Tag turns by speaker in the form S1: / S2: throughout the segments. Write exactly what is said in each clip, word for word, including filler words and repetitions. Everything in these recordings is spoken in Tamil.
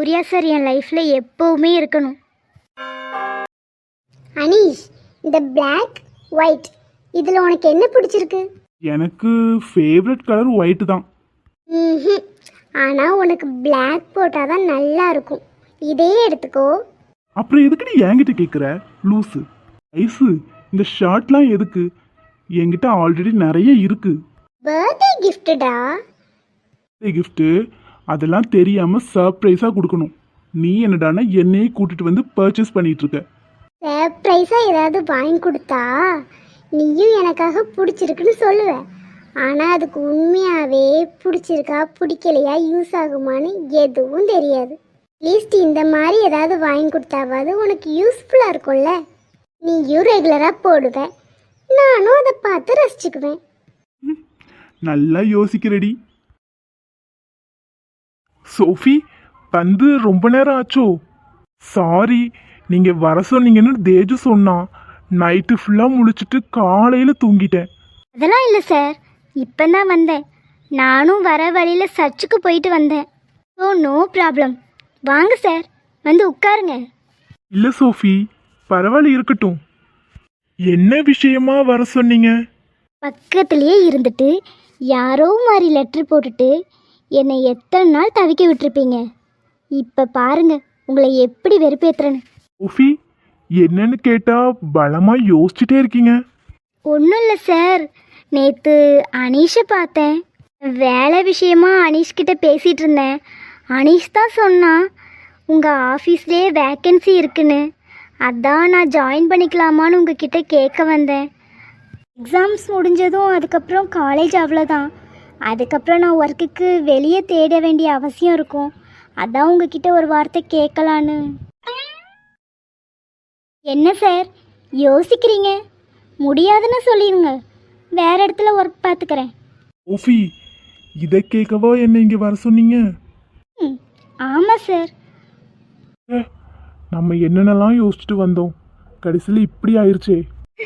S1: சூர்யா சார் என் லைஃப்பில் எப்போவுமே இருக்கணும்.
S2: அனீஷ், இந்த பிளாக் ஒயிட் இதில் உனக்கு என்ன பிடிச்சிருக்கு?
S3: எனக்கு ஃபேவரட் கலர் ஒயிட் தான்.
S2: ம், ஆனால் உனக்கு பிளாக் போட்டால் தான் நல்லா இருக்கும். இதே எடுத்துக்கோ.
S3: அப்புறம் எதுக்கு நீ என்கிட்ட கேட்குற லூஸு? ஐஸு, இந்த ஷர்ட்லாம் எதுக்கு? என்கிட்ட ஆல்ரெடி நிறைய இருக்கு.
S2: பர்த்டே கிஃப்டடா?
S3: கிஃப்ட்டு அதெல்லாம் தெரியாமல் சர்ப்ரைஸாக கொடுக்கணும். நீ என்னடானா என்னையே கூட்டிட்டு வந்து பர்ச்சேஸ் பண்ணிட்டு இருக்க.
S2: சர்ப்ரைஸாக ஏதாவது வாங்கி கொடுத்தா நீயும் எனக்காக பிடிச்சிருக்குன்னு சொல்லுவேன். ஆனால் அதுக்கு உண்மையாகவே பிடிச்சிருக்கா பிடிக்கலையா யூஸ் ஆகுமான்னு எதுவும் தெரியாது. அட்லீஸ்ட் இந்த மாதிரி ஏதாவது வாங்கி கொடுத்தாவது உனக்கு யூஸ்ஃபுல்லாக இருக்கும்ல. நீயும் ரெகுலராக போடுவேன், நானும் அதை பார்த்து ரசிச்சுக்குவேன்.
S3: நல்லா யோசிக்கிறடி. சோஃபி, வந்து ரொம்ப நேரம் ஆச்சோ? சாரி, நீங்கள் வர சொன்னீங்கன்னு தேஜு சொன்னான். நைட்டு ஃபுல்லாக முழிச்சிட்டு காலையில் தூங்கிட்டேன்.
S1: அதெல்லாம் இல்லை சார், இப்போ தான் வந்தேன். நானும் வர வழியில் சர்ச்சுக்கு போயிட்டு வந்தேன். So no problem. வாங்க சார், வந்து உட்காருங்க.
S3: இல்லை சோஃபி, பரவாயில்ல, இருக்கட்டும். என்ன விஷயமா வர சொன்னீங்க?
S1: பக்கத்துலேயே இருந்துட்டு யாரோ மாதிரி லெட்ரு போட்டுட்டு என்னை எத்தனை நாள் தவிக்க விட்டுருப்பீங்க. இப்போ பாருங்க உங்களை எப்படி வெறுப்பேற்றுறேன்னு.
S3: சோஃபி, என்னன்னு கேட்டால் பலமாக யோசிச்சுட்டே இருக்கீங்க.
S1: ஒன்றும் இல்லை சார், நேற்று அனீஷை பார்த்தேன். வேலை விஷயமா அனீஷ்கிட்ட பேசிகிட்டு இருந்தேன். அனீஷ் தான் சொன்னான் உங்கள் ஆஃபீஸ்லேயே வேக்கன்சி இருக்குன்னு. அதான் நான் ஜாயின் பண்ணிக்கலாமான்னு உங்ககிட்ட கேட்க வந்தேன். எக்ஸாம்ஸ் முடிஞ்சதும் அதுக்கப்புறம் காலேஜ் அவ்வளோதான். அதுக்கப்புறம் நான் ஒர்க்குக்கு வெளியே தேட வேண்டிய அவசியம் இருக்கும். அதான் உங்ககிட்ட ஒரு வார்த்தை கேட்கலான்னு. என்ன சார் யோசிக்கிறீங்க? முடியாதுன்னு சொல்லிடுங்க, வேற இடத்துல ஒர்க் பார்த்துக்கிறேன்.
S3: சோஃபி, இதை கேட்கவா என்ன இங்கே வர சொன்னீங்க?
S1: ம் ஆமாம் சார்.
S3: நம்ம என்னென்னலாம் யோசிச்சுட்டு வந்தோம், கடைசியில் இப்படி ஆயிடுச்சே.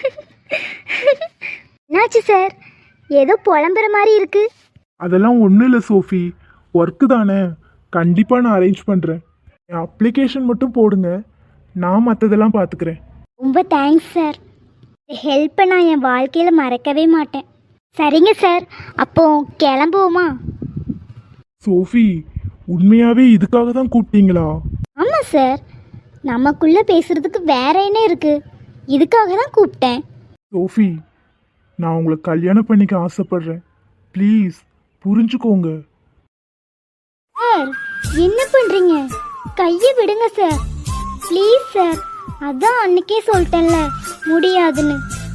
S1: என்னாச்சு சார், ஏதோ புலம்புற மாதிரி இருக்கு.
S3: அதெல்லாம் ஒன்றும் இல்லை சோஃபி, ஒர்க்கு தானே, கண்டிப்பாக நான் அரேஞ்ச் பண்ணுறேன். என் அப்ளிகேஷன் மட்டும் போடுங்க, நான் மற்றதெல்லாம் பார்த்துக்கிறேன்.
S1: ரொம்ப தேங்க்ஸ் சார். ஹெல்ப்பை நான் என் வாழ்க்கையில் மறக்கவே மாட்டேன். சரிங்க சார், அப்போ கிளம்புவோமா?
S3: சோஃபி, உண்மையாகவே இதுக்காக தான் கூப்பிட்டீங்களா?
S1: ஆமாம் சார், நமக்குள்ளே பேசுகிறதுக்கு வேற என்ன இருக்குது, இதுக்காக தான் கூப்பிட்டேன்.
S3: சோஃபி, நான் உங்களை கல்யாணம் பண்ணிக்க ஆசைப்படுறேன். ப்ளீஸ் புரிஞ்சுக்கோங்க.
S1: சார் என்ன பண்ணுறீங்க? கையை விடுங்க சார், ப்ளீஸ் சார். அதான் அன்னைக்கே சொல்லிட்டேன்ல முடியாதுன்னு.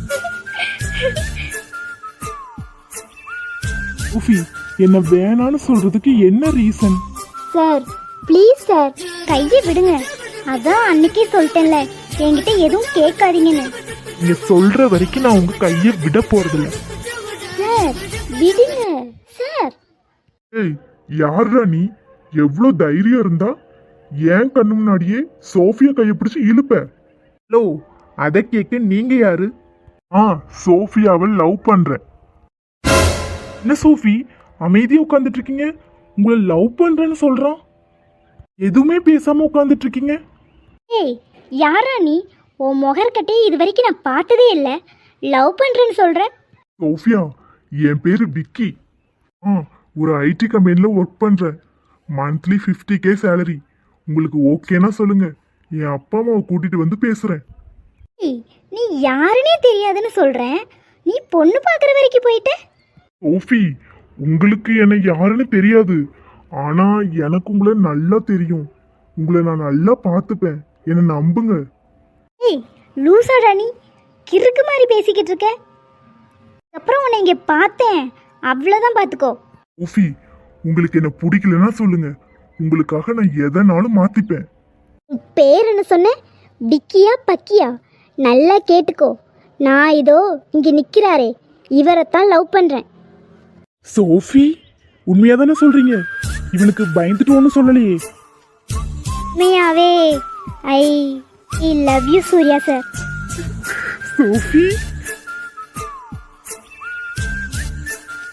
S3: சோஃபி, என்ன வேணான்னு சொல்றதுக்கு என்ன ரீசன்?
S1: சார் ப்ளீஸ் சார், கையை விடுங்க. அதான் அன்னைக்கே சொல்லிட்டேன்ல என்கிட்ட எதுவும் கேட்காதீங்கன்னு.
S3: நீங்க சொல்ற வரைக்கும் நான் உங்க கையை விட போறதில்ல.
S1: சார் விடுங்க சார்.
S3: ஏய், யாரா நீ? எவ்வளோ தைரியம் இருந்தா ஏன் கண்ணு முன்னாடியே சோஃபியா கையை பிடிச்சி இழுப்ப? ஹலோ, அதை கேட்க நீங்க யாரு? ஆ, சோஃபியாவை லவ் பண்றேன். என்ன சோஃபி, அமைதியா உட்காந்துட்டு இருக்கீங்க? உங்களை லவ் பண்றேன்னு சொல்றான், எதுவுமே பேசாம உட்காந்துட்டு இருக்கீங்க.
S1: ஏய் யாரா நீ? உன் முகர்கட்டையே இது வரைக்கும் நான் பார்த்ததே இல்லை, லவ் பண்ணுறேன்னு சொல்கிறேன்.
S3: சோஃபியா, என் பேரு விக்கி. ஆ, ஒரு ஐடி கம்பெனியில் ஒர்க் பண்ணுறேன். Monthly fifty K salary. உங்களுக்கு ஓகேனா சொல்லுங்க, என் அப்பா அம்மாவை கூட்டிட்டு வந்து பேசுகிறேன்.
S1: ஏய் நீ யாருன்னே தெரியாதுன்னு சொல்கிறேன், நீ பொண்ணு பார்க்குற வரைக்கும் போயிட்ட?
S3: சோஃபி, உங்களுக்கு என்னை யாருன்னு தெரியாது, ஆனால் எனக்கு உங்களை நல்லா தெரியும். உங்களை நான் நல்லா பார்த்துப்பேன், என்னை நம்புங்க.
S1: ஏய் லூசாடா நீ, கிறுக்கு மாதிரி பேசிக்கிட்டு இருக்க. அப்புறம் உன்னை இங்கே பார்த்தேன், அவ்வளோதான் பார்த்துக்கோ.
S3: சோஃபி, உங்களுக்கு என்ன பிடிக்கலன்னா சொல்லுங்க, உங்களுக்காக நான் எதனாலும் மாற்றிப்பேன்.
S1: உன் பேர் என்ன சொன்ன? பிக்கியா பக்கியா? நல்லா கேட்டுக்கோ, நான் இதோ இங்கே நிற்கிறாரே இவரைத்தான் லவ் பண்ணுறேன்.
S3: சோஃபி, உண்மையாக தானே சொல்கிறீங்க? இவனுக்கு பயந்துட்டு ஒன்றும் சொல்லலையே.
S1: உண்மையாவே I I love you Suriya sir.
S3: Sophie,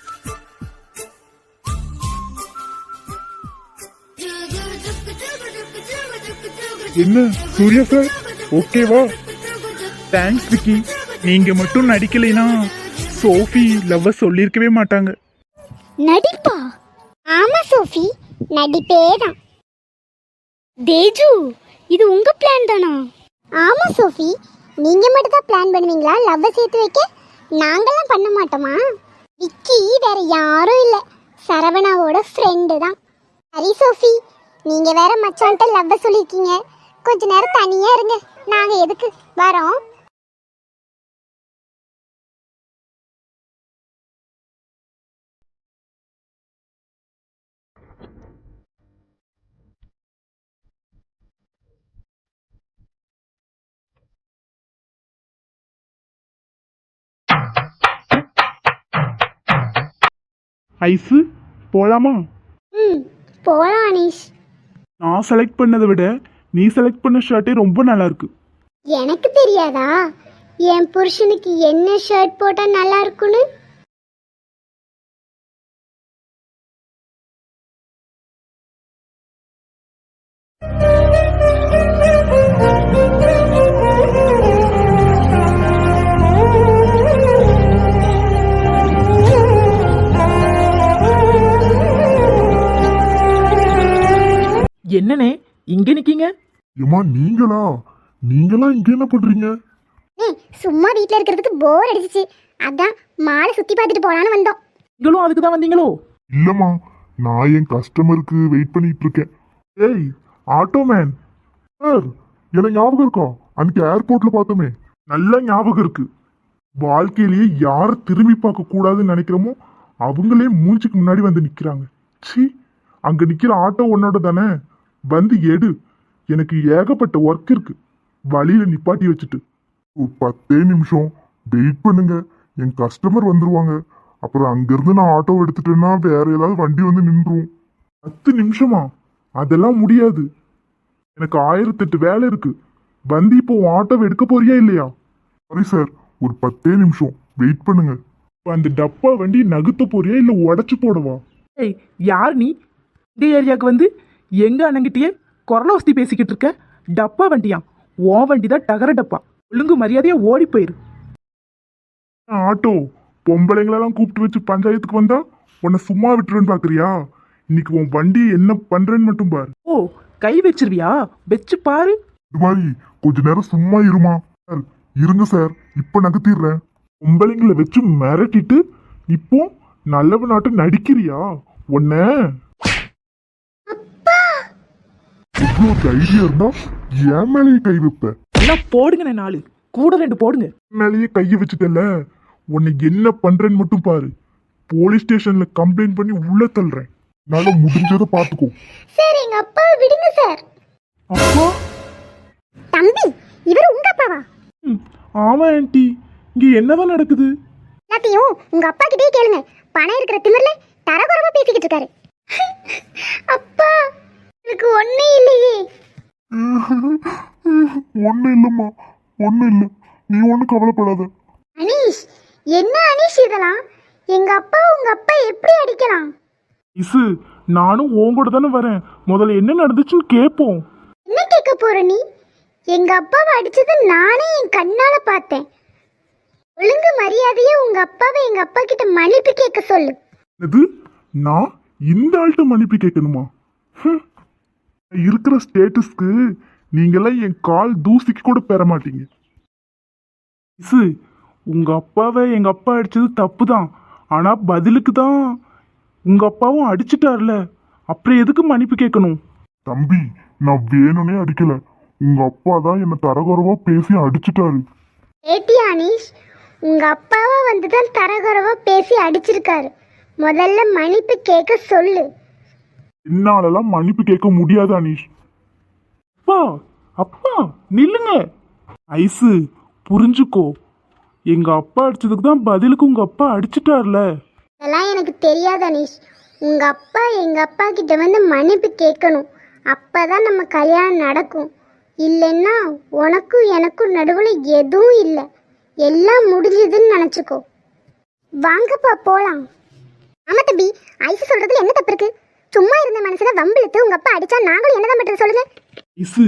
S4: do do do do do do
S3: என்ன சூர்யா சார் ஓகேவா?
S4: தேங்க்ஸ் விக்கி. நீங்க மட்டும் நடிக்கலைனா சோஃபி லவ்வ சொல்லியிருக்கவே மாட்டாங்க.
S1: நடிப்பா?
S2: ஆமா சோஃபி, நடிப்பே தான்.
S1: தேஜு, இது உங்க பிளான் தானா?
S2: ஆமா சோஃபி, நீங்க மட்டும் தான் பிளான் பண்ணுவீங்களா லவ்வை சேர்த்து வைக்க? நாங்கெல்லாம் பண்ண மாட்டோமா? விக்கி வேற யாரும் இல்ல, சரவணாவோட ஃப்ரெண்டு தான். சரி சோஃபி, நீங்க வேற மச்சான்ட்ட லவ்வை சொல்லியிருக்கீங்க, கொஞ்ச நேரம் தனியா இருங்க, நாங்க எதுக்கு வரோம்.
S4: ஐஸு போலாமா?
S2: ம் போலாம் அனீஷ்.
S4: நான் செலக்ட் பண்ணதை விட நீ செலக்ட் பண்ண ஷர்ட்டே ரொம்ப நல்லா இருக்கு.
S2: எனக்கு தெரியாதா என் புருஷனுக்கு என்ன ஷர்ட் போட்டா நல்லா இருக்குன்னு?
S4: என்னனே இங்க நிக்கீங்க?
S3: ஏமா நீங்களா? நீங்களா இங்க என்ன பண்றீங்க?
S2: ஏய், சும்மா வீட்ல இருக்கிறதுக்கு போர் அடிச்சிச்சு, அதான் மாலை சுத்தி பார்த்துட்டு போலான்னு வந்தோம்.
S4: நீங்களும் அதுக்கு தான் வந்தீங்களோ?
S3: இல்லம்மா, நான் என் கஸ்டமருக்கு வெயிட் பண்ணிட்டு இருக்கேன். ஏய் ஆட்டோ மேன் சார், எனக்கு ஞாபகம் இருக்கா? அன்னைக்கு ஏர்போர்ட்ல பார்த்தோமே, நல்ல ஞாபகம் இருக்கு. வாழ்க்கையிலேயே யாரை திரும்பி பார்க்க கூடாதுன்னு நினைக்கிறோமோ அவங்களே மூஞ்சிக்கு முன்னாடி வந்து நிக்கிறாங்க. சி, அங்க நிக்கிற ஆட்டோ உன்னோட தானே? வந்து எடு, எனக்கு ஏகப்பட்ட ஒர்க் இருக்கு. வழியில நிப்பாட்டி வச்சுட்டு ஒரு பத்தே நிமிஷம் வெயிட் பண்ணுங்க, என் கஸ்டமர் வந்துருவாங்க. அப்புறம் அங்கிருந்து நான் ஆட்டோ எடுத்துட்டேன்னா வேற ஏதாவது வண்டி வந்து நின்றும். பத்து நிமிஷமா? அதெல்லாம் முடியாது, எனக்கு ஆயிரத்தெட்டு வேலை இருக்கு. வந்து இப்போ உன் ஆட்டோவை எடுக்க போறியா இல்லையா? சாரி சார், ஒரு பத்தே நிமிஷம் வெயிட் பண்ணுங்க. இப்போ அந்த டப்பா வண்டி நகுத்த போறியா இல்ல உடச்சு போடவா?
S4: ஏய், யார் நீ இந்த ஏரியாவுக்கு வந்து எங்க அண்ணங்கிட்டயே குரல வசதி பேசிக்கிட்டு இருக்க? டப்பா வண்டியா? ஓ வண்டி தான் டகர டப்பா. ஒழுங்கு மரியாதையா ஓடி போயிரு.
S3: ஆட்டோ பொம்பளைங்களெல்லாம் கூப்பிட்டு வச்சு பஞ்சாயத்துக்கு வந்தா உன்னை சும்மா விட்டுருன்னு பாக்குறியா? இன்னைக்கு உன் வண்டி என்ன பண்றேன்னு மட்டும் பாரு.
S4: ஓ, கை வச்சிருவியா? வச்சு பாரு.
S3: இது மாதிரி கொஞ்ச நேரம் சும்மா இருமா. சார் இருங்க சார், இப்ப நகர்த்திடுறேன். பொம்பளைங்களை வச்சு மிரட்டிட்டு இப்போ நல்லவ நாட்டு நடிக்கிறியா? உன்ன இவ்வளோ தைரியம் இருந்தா என் மேலேயே கை வைப்ப.
S4: எல்லாம் போடுங்க, நாலு கூட ரெண்டு போடுங்க.
S3: என் மேலேயே கையை வச்சுட்டல, உன்னை என்ன பண்றேன்னு மட்டும் பாரு. போலீஸ் ஸ்டேஷன்ல கம்ப்ளைண்ட் பண்ணி உள்ள தள்ளுறேன். என்னால முடிஞ்சதை பாத்துக்கோ.
S2: சார் எங்க அப்பா விடுங்க சார்.
S4: அப்பா?
S2: தம்பி, இவர் உங்க அப்பாவா?
S4: ம், ஆமா ஆண்டி. இங்க என்னதான் நடக்குது?
S2: எல்லாத்தையும் உங்க அப்பா கிட்டே கேளுங்க. பணம் இருக்கிற திமிர்ல தரகுறவா பேசிக்கிட்டு இருக்காரு. அப்பா, எனக்கு ஒண்ணே இல்லையே.
S3: ஒண்ணு இல்லம்மா, ஒண்ணு இல்ல, நீ ஒண்ணு கவலைப்படாத.
S2: அனீஷ், என்ன அனீஷ் இதெல்லாம்? எங்க அப்பா உங்க அப்பா எப்படி அடிக்கலாம்?
S4: இசு, நானும் உன் கூட தானே வரேன். முதல்ல என்ன நடந்துச்சுன்னு கேட்போம்.
S2: என்ன கேட்க போற நீ? எங்க அப்பாவை அடிச்சது நானே என் கண்ணால பார்த்தேன். ஒழுங்கு மரியாதையா உங்க அப்பாவை எங்க அப்பா கிட்ட மன்னிப்பு கேட்க சொல்லு.
S3: இது நான் இந்த ஆள்கிட்ட மன்னிப்பு கேட்கணுமா? ஹம். இருக்கிற ஸ்டேட்டஸ்க்கு நீங்கெல்லாம் என் கால் தூசிக்கு கூட பெற மாட்டீங்க.
S4: இசு, உங்க அப்பாவை எங்க அப்பா அடிச்சது தப்பு தான். ஆனா பதிலுக்கு தான் உங்க அப்பாவும் அடிச்சிட்டார்ல, அப்புறம் எதுக்கு மன்னிப்பு கேட்கணும்?
S3: தம்பி, நான் வேணும்னே அடிக்கல, உங்க அப்பா தான் என்ன தரகுறவா பேசி அடிச்சிட்டாரு.
S2: ஏட்டி அனீஷ், உங்க அப்பாவா வந்துதான் தரகுறவா பேசி அடிச்சிருக்காரு. முதல்ல மன்னிப்பு கேட்க சொல்லு.
S3: என்னாலலாம் மன்னிப்பு கேட்க முடியாது அனீஷ்.
S4: அப்பா, அப்பா நில்லுங்க. ஐசு, புரிஞ்சுக்கோ. எங்க அப்பா அடிச்சதுக்கு தான் பதிலுக்கு உங்க அப்பா அடிச்சிட்டார்ல.
S2: இதெல்லாம் எனக்கு தெரியாது அனீஷ். உங்க அப்பா எங்க அப்பா கிட்ட வந்து மன்னிப்பு கேட்கணும். அப்பதான் நம்ம கல்யாணம் நடக்கும். இல்லைன்னா உனக்கும் எனக்கும் நடுவில் எதுவும் இல்லை, எல்லாம் முடிஞ்சதுன்னு நினச்சிக்கோ. வாங்கப்பா போலாம். ஆமா தம்பி, ஐசு சொல்றதுல என்ன தப்பு இருக்கு? சும்மா இருந்த மனசுல வம்பிழுத்து உங்க அப்பா அடிச்சா நாங்களும் என்னதான் பண்றது சொல்லுங்க.
S4: இசு,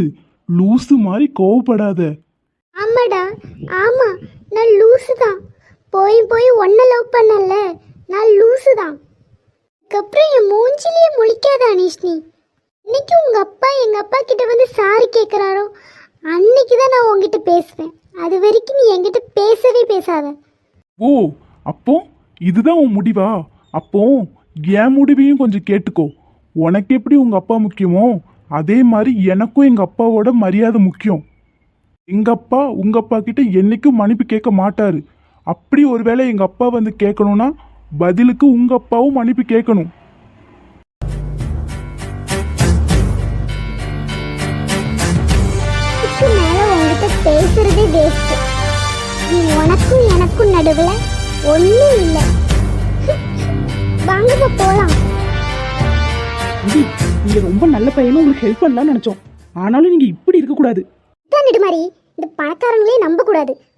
S4: லூசு மாதிரி கோவப்படாத.
S2: ஆமாடா, ஆமா, நான் லூசு தான். போய் போய் ஒன்ன லவ் பண்ணல, நான் லூசு தான். அதுக்கப்புறம் என் மூஞ்சிலேயே முழிக்காத அனீஷ் நீ. இன்னைக்கு உங்க அப்பா எங்க அப்பா கிட்ட வந்து சாரி கேட்குறாரோ அன்னைக்கு தான் நான் உங்ககிட்ட பேசுவேன். அது வரைக்கும் நீ என்கிட்ட பேசவே பேசாத.
S4: ஓ, அப்போ இதுதான் உன் முடிவா? அப்போ என் முடிவையும் கொஞ்சம் கேட்டுக்கோ. உனக்கு எப்படி உங்க அப்பா முக்கியமோ அதே மாதிரி எனக்கும் எங்க அப்பாவோட மரியாதை முக்கியம். எங்க அப்பா உங்க அப்பா கிட்ட என்னைக்கும் மன்னிப்பு கேட்க மாட்டாரு. அப்படி ஒருவேளை எங்க அப்பா வந்து கேட்கணும்னா பதிலுக்கு உங்க அப்பாவும் மன்னிப்பு கேட்கணும்.
S2: இதுக்கு மேல உங்ககிட்ட பேசுறதே வேஸ்ட். நீ உனக்கும் எனக்கும் நடுவுல ஒண்ணும் இல்லை. வாங்க போலாம்.
S5: அடி, நீங்க ரொம்ப நல்ல பையனும் உங்களுக்கு ஹெல்ப் பண்ணலாம்னு நினைச்சோம். ஆனாலும் நீங்க இப்படி இருக்க கூடாது.
S2: மாதிரி இந்த பணக்காரங்களே நம்ப கூடாது.